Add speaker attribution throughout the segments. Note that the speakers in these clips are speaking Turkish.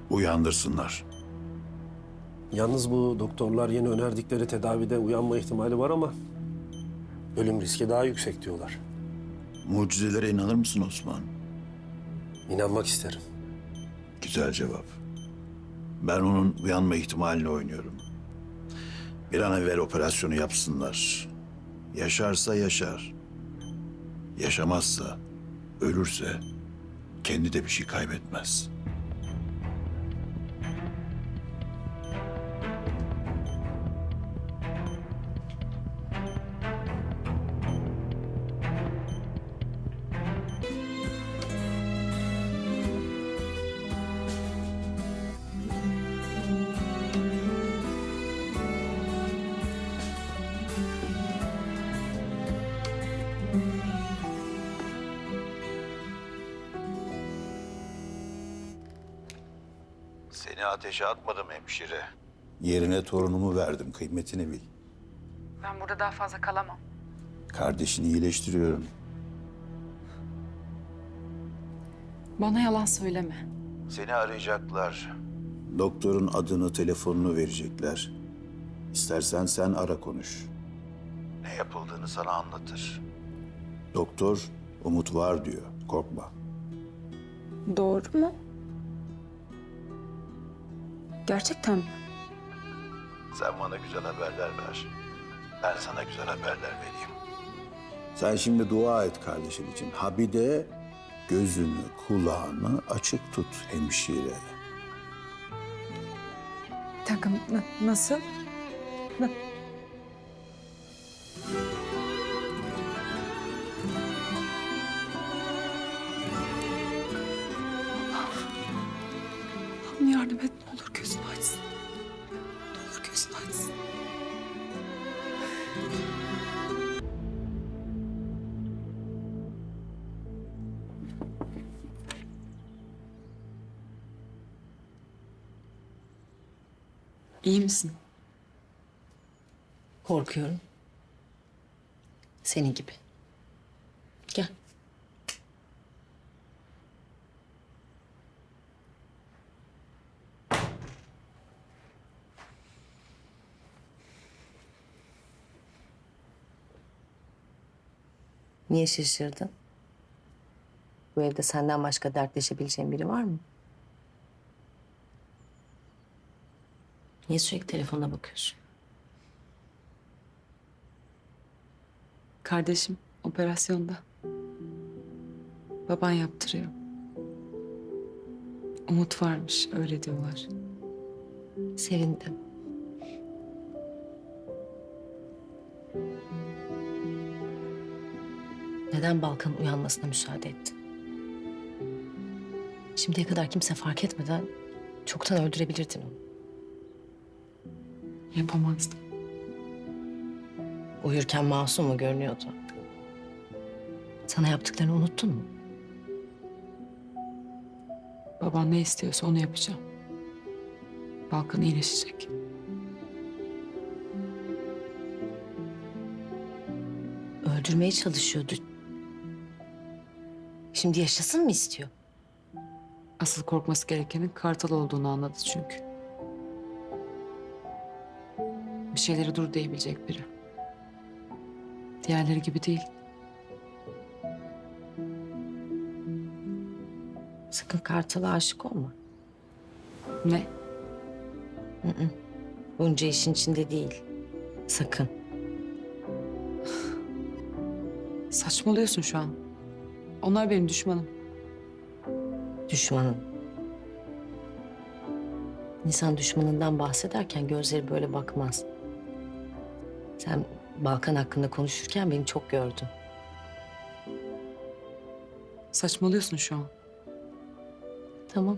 Speaker 1: Uyandırsınlar.
Speaker 2: Yalnız bu doktorlar yeni önerdikleri tedavide uyanma ihtimali var ama ölüm riski daha yüksek diyorlar.
Speaker 1: Mucizelere inanır mısın Osman?
Speaker 2: İnanmak isterim.
Speaker 1: Güzel cevap. Ben onun uyanma ihtimalini oynuyorum. Bir an evvel operasyonu yapsınlar. Yaşarsa yaşar. Yaşamazsa, ölürse kendi de bir şey kaybetmez. Seni ateşe atmadım hemşire. Yerine torunumu verdim, kıymetini bil.
Speaker 3: Ben burada daha fazla kalamam.
Speaker 1: Kardeşini iyileştiriyorum.
Speaker 3: Bana yalan söyleme.
Speaker 1: Seni arayacaklar. Doktorun adını, telefonunu verecekler. İstersen sen ara konuş. Ne yapıldığını sana anlatır. Doktor umut var diyor, korkma.
Speaker 3: Doğru mu? Gerçekten mi?
Speaker 1: Sen bana güzel haberler ver. Ben sana güzel haberler vereyim. Sen şimdi dua et kardeşin için. Ha bir de gözünü, kulağını açık tut hemşire.
Speaker 3: Takım nasıl? Allah'ım yardım et, ne olur gözünü açsın. Ne olur gözünü açsın. İyi misin?
Speaker 4: Korkuyorum. Senin gibi. Gel. Niye şaşırdın? Bu evde senden başka dertleşebileceğin biri var mı? Niye sürekli telefonuna bakıyorsun?
Speaker 3: Kardeşim operasyonda. Baban yaptırıyor. Umut varmış, öyle diyorlar.
Speaker 4: Sevindim. Neden Balkan'ın uyanmasına müsaade ettin? Şimdiye kadar kimse fark etmeden çoktan öldürebilirdin onu.
Speaker 3: Yapamazdım.
Speaker 4: Uyurken masum mu görünüyordu? Sana yaptıklarını unuttun mu?
Speaker 3: Baban ne istiyorsa onu yapacağım. Balkan iyileşecek.
Speaker 4: Öldürmeye çalışıyordu. Şimdi yaşasın mı istiyor?
Speaker 3: Asıl korkması gerekenin Kartal olduğunu anladı çünkü. Bir şeyleri dur diyebilecek biri. Diğerleri gibi değil.
Speaker 4: Sakın Kartal'a aşık olma.
Speaker 3: Ne?
Speaker 4: Bunca işin içinde değil. Sakın.
Speaker 3: Saçmalıyorsun şu an. Onlar benim düşmanım.
Speaker 4: Düşmanın. İnsan düşmanından bahsederken gözleri böyle bakmaz. Sen Balkan hakkında konuşurken beni çok gördün.
Speaker 3: Saçmalıyorsun şu an.
Speaker 4: Tamam.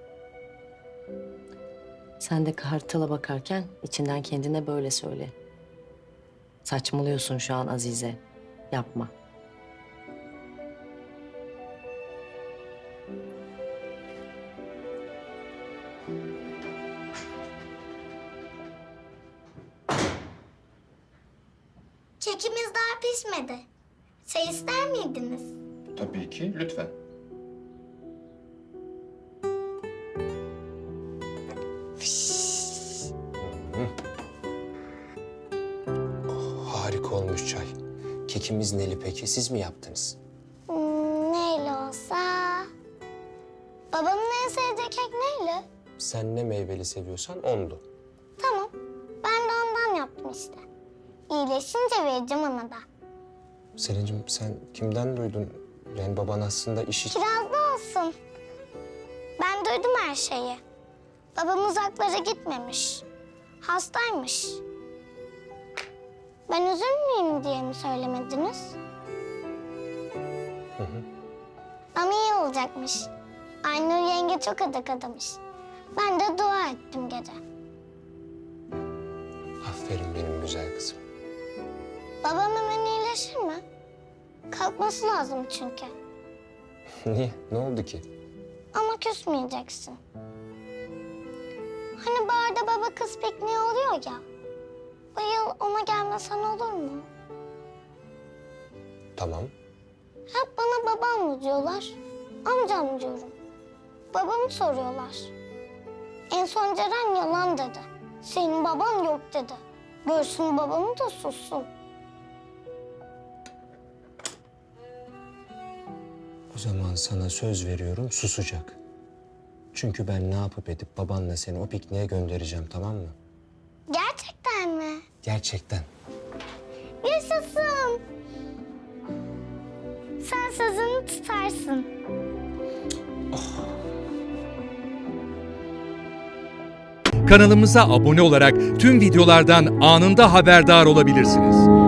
Speaker 4: Sen de Kartal'a bakarken içinden kendine böyle söyle. Saçmalıyorsun şu an Azize. Yapma.
Speaker 5: Kekimiz daha pişmedi. Çay ister miydiniz?
Speaker 6: Tabii ki, lütfen. Harika olmuş çay. Kekimiz neli peki? Siz mi yaptınız?
Speaker 5: Neyle olsa... Babamın en sevdiği kek neyle?
Speaker 6: Sen ne meyveli seviyorsan ondu.
Speaker 5: Tamam. Ben de ondan yaptım işte. İyileşince vereceğim ona da.
Speaker 6: Selin'cim sen kimden duydun? Yani baban aslında işi...
Speaker 5: Kirazlı olsun. Ben duydum her şeyi. Babam uzaklara gitmemiş. Hastaymış. Ben üzülmeyeyim diye mi söylemediniz? Ama iyi olacakmış. Aynur yenge çok adak adamış. Ben de dua ettim gece.
Speaker 6: Aferin benim güzel kızım.
Speaker 5: Babam hemen iyileşir mi? Kalkması lazım çünkü.
Speaker 6: Niye? Ne oldu ki?
Speaker 5: Ama küsmeyeceksin. Hani barda baba kız pikniği oluyor ya. Bu yıl ona gelmesen olur mu?
Speaker 6: Tamam.
Speaker 5: Hep bana babam mı diyorlar, amcam diyorum. Babamı soruyorlar. En son Ceren yalan dedi. Senin baban yok dedi. Görsün babamı da sussun.
Speaker 6: O zaman sana söz veriyorum susacak. Çünkü ben ne yapıp edip babanla seni o pikniğe göndereceğim, tamam mı?
Speaker 5: Gerçekten mi?
Speaker 6: Gerçekten.
Speaker 5: Yaşasın. Sen sözünü tutarsın.
Speaker 7: Kanalımıza abone olarak tüm videolardan anında haberdar olabilirsiniz.